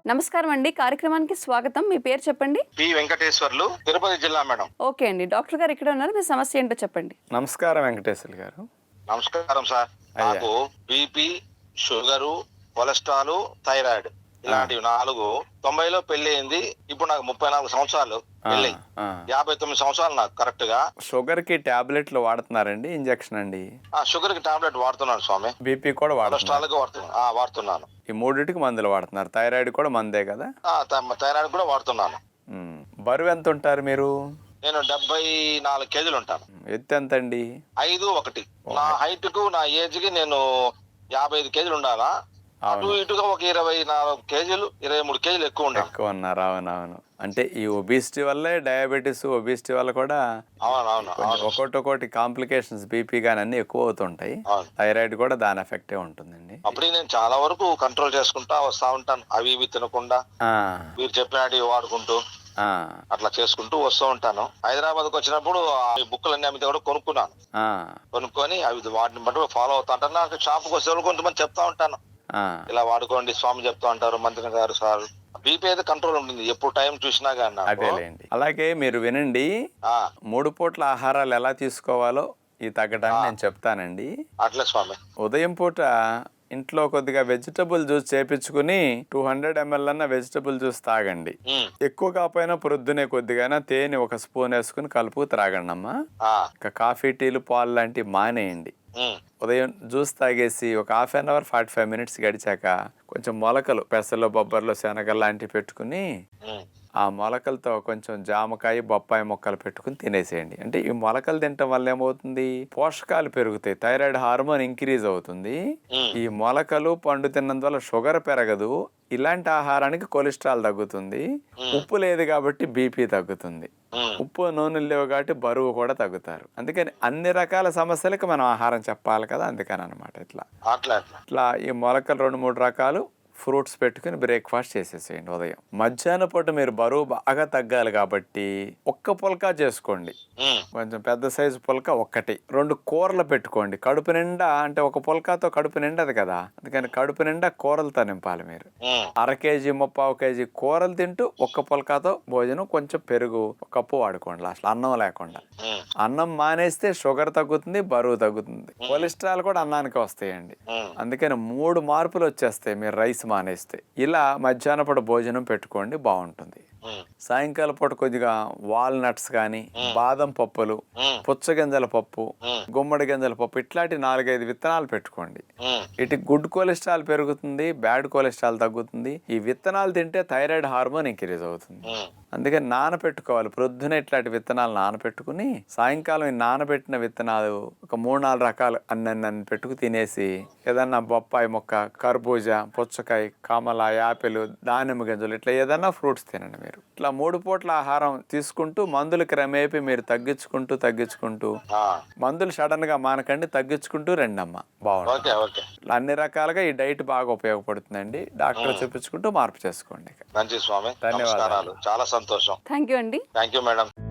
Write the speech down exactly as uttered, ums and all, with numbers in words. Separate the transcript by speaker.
Speaker 1: నమస్కారం అండి, కార్యక్రమానికి స్వాగతం. మీ పేరు చెప్పండి.
Speaker 2: పి వెంకటేశ్వర్లు, తిరుపతి జిల్లా మేడం.
Speaker 1: ఓకే అండి, డాక్టర్ గారు ఇక్కడ ఉన్నారు. మీ సమస్య ఏంటో చెప్పండి.
Speaker 3: నమస్కారం వెంకటేశ్వర్లు గారు.
Speaker 2: నమస్కారం సార్. నాకు బీపీ, షుగరు, కొలెస్ట్రాల్, థైరాయిడ్ ఇలాంటివి నాలుగు. తొంభైలో పెళ్లి అయింది. ఇప్పుడు నాకు ముప్పై నాలుగు సంవత్సరాలు పెళ్లి. యాభై తొమ్మిది సంవత్సరాలు నాకు కరెక్ట్ గా.
Speaker 3: షుగర్ కి టాబ్లెట్లు వాడుతున్నారండి? ఇంజెక్షన్ అండి?
Speaker 2: ఆ షుగర్ కి టాబ్లెట్ వాడుతున్నాను స్వామి.
Speaker 3: బీపీ కూడా
Speaker 2: కొలెస్ట్రాల్ కి వాడుతున్నాను. ఆ వాడుతున్నాను.
Speaker 3: ఈ మూడింటికి మందులు వాడుతున్నారు. థైరాయిడ్ కూడా మందే కదా?
Speaker 2: థైరాయిడ్ కూడా వాడుతున్నాను.
Speaker 3: బరువు ఎంత ఉంటారు మీరు?
Speaker 2: నేను డెబ్బై నాలుగు కేజీలు ఉంటాను.
Speaker 3: ఎత్తు ఎంత అండి?
Speaker 2: ఐదు ఒకటి. నా హైట్ కు నా ఏజ్ కి నేను యాభై ఐదు కేజీలు ఉండాలా. అటు ఇటుగా ఒక ఇరవై నాలుగు కేజీలు ఇరవై మూడు కేజీలు ఎక్కువ ఉండాలి.
Speaker 3: ఎక్కువ ఉన్నారు. అవునవును. అంటే ఈ ఒబిసిటీ వల్లే డయాబెటీస్, ఒబిసిటీ వల్ల కూడా ఒకటి ఒకటి కాంప్లికేషన్స్, బీపీ గానీ అన్ని ఎక్కువ అవుతుంటాయి. థైరాయిడ్ కూడా దాని ఎఫెక్టే ఉంటుందండి.
Speaker 2: అప్పుడు నేను చాలా వరకు కంట్రోల్ చేసుకుంటా వస్తా ఉంటాను. అవి ఇవి తినకుండా మీరు చెప్పినట్టు వాడుకుంటూ అట్లా చేసుకుంటూ వస్తూ ఉంటాను. హైదరాబాద్ కు వచ్చినప్పుడు బుక్కులన్నీ అమ్మితే కూడా కొనుక్కున్నాను. కొనుక్కొని అవి వాటిని బట్టి ఫాలో అవుతా ఉంటాను. నాకు షాప్కి వస్తే కొంతమంది చెప్తా ఉంటాను, ఇలా వాడుకోండి స్వామి చెప్తా ఉంటారు, మంత్రి గారు సార్. బీపీ అయితే కంట్రోల్ ఉంటుంది ఎప్పుడు టైం చూసినా కానీ.
Speaker 3: అదేలేండి. అలాగే మీరు వినండి, మూడు పూట్ల ఆహారాలు ఎలా తీసుకోవాలో ఈ తగ్గడానికి నేను చెప్తానండి.
Speaker 2: అట్లే స్వామి.
Speaker 3: ఉదయం పూట ఇంట్లో కొద్దిగా వెజిటబుల్ జ్యూస్ చేపించుకుని టూ హండ్రెడ్ ఎంఎల్ అన్న వెజిటబుల్ జ్యూస్ తాగండి. ఎక్కువ కాకపోయినా ప్రొద్దునే కొద్దిగా తేనె ఒక స్పూన్ వేసుకుని కలుపు త్రాగండి అమ్మా. ఇంకా కాఫీ, టీలు, పాలు లాంటివి మానేయండి. ఉదయం జ్యూస్ తాగేసి ఒక half an hour forty five minutes గడిచాక కొంచెం మొలకలు, పెసలు, బొబ్బర్లు, శనగలు లాంటివి పెట్టుకుని ఆ మొలకలతో కొంచెం జామకాయ, బొప్పాయి మొక్కలు పెట్టుకుని తినేసేయండి. అంటే ఈ మొలకలు తినటం వల్ల ఏమవుతుంది, పోషకాలు పెరుగుతాయి, థైరాయిడ్ హార్మోన్ ఇంక్రీజ్ అవుతుంది. ఈ మొలకలు, పండు తిన్నందువల్ల షుగర్ పెరగదు. ఇలాంటి ఆహారానికి కొలెస్ట్రాల్ తగ్గుతుంది. ఉప్పు లేదు కాబట్టి బీపీ తగ్గుతుంది. ఉప్పు, నూనెలు లేవు కాబట్టి బరువు కూడా తగ్గుతారు. అందుకని అన్ని రకాల సమస్యలకు మనం ఆహారం చెప్పాలి కదా, అందుకని అనమాట. ఇట్లా ఇట్లా ఈ మొలకలు రెండు మూడు రకాలు ఫ్రూట్స్ పెట్టుకుని బ్రేక్ఫాస్ట్ చేసేసేయండి ఉదయం. మధ్యాహ్నం పూట మీరు బరువు బాగా తగ్గాలి కాబట్టి ఒక్క పుల్కా చేసుకోండి. కొంచెం పెద్ద సైజు పుల్కా ఒక్కటి. రెండు కూరలు పెట్టుకోండి కడుపు నిండా. అంటే ఒక పుల్కాతో కడుపు నిండదు కదా, అందుకని కడుపు నిండా కూరలతో నింపాలి మీరు. అర కేజీ, ముప్పావు కేజీ కూరలు తింటూ ఒక్క పుల్కాతో భోజనం, కొంచెం పెరుగు, కప్పు వాడుకోండి లాస్ట్, అన్నం లేకుండా. అన్నం మానేస్తే షుగర్ తగ్గుతుంది, బరువు తగ్గుతుంది, కొలెస్ట్రాల్ కూడా అన్నానికి వస్తాయండి. అందుకని మూడు మార్పులు వచ్చేస్తాయి మీరు రైస్ మానేస్తే. ఇలా మధ్యాహ్న పూట భోజనం పెట్టుకోండి, బాగుంటుంది. సాయంకాలం పూట కొద్దిగా వాల్నట్స్ కానీ, బాదం పప్పులు, పుచ్చగింజల పప్పు, గుమ్మడి గింజల పప్పు, ఇట్లాంటి నాలుగైదు విత్తనాలు పెట్టుకోండి. ఇటు గుడ్ కొలెస్ట్రాల్ పెరుగుతుంది, బ్యాడ్ కొలెస్ట్రాల్ తగ్గుతుంది. ఈ విత్తనాలు తింటే థైరాయిడ్ హార్మోన్ ఇంక్రీజ్ అవుతుంది. అందుకని నానపెట్టుకోవాలి. ప్రొద్దున ఇట్లాంటి విత్తనాలు నానపెట్టుకుని సాయంకాలం ఈ నానబెట్టిన విత్తనాలు ఒక మూడు నాలుగు రకాలు అన్నీ పెట్టుకు తినేసి ఏదన్నా బొప్పాయి మొక్క, కర్బూజా, పుచ్చకాయ, కమల, యాపిల్, దానిమ్మ గింజలు ఇట్లా ఏదన్నా ఫ్రూట్స్ తినండి మీరు. ఇట్లా మూడు పూట్ల ఆహారం తీసుకుంటూ మందులు క్రమేపీ మీరు తగ్గించుకుంటూ తగ్గించుకుంటూ మందులు సడన్ గా మానకండి, తగ్గించుకుంటూ రండమ్మా, బాగుంటుంది. అన్ని రకాలుగా ఈ డైట్ బాగా ఉపయోగపడుతుందండి. డాక్టర్ చూపించుకుంటూ మార్పు చేసుకోండి.
Speaker 2: మంచి స్వామి, ధన్యవాదాలు. చాలా సంతోషం.
Speaker 1: థ్యాంక్ యూ అండి.
Speaker 2: Thank you madam.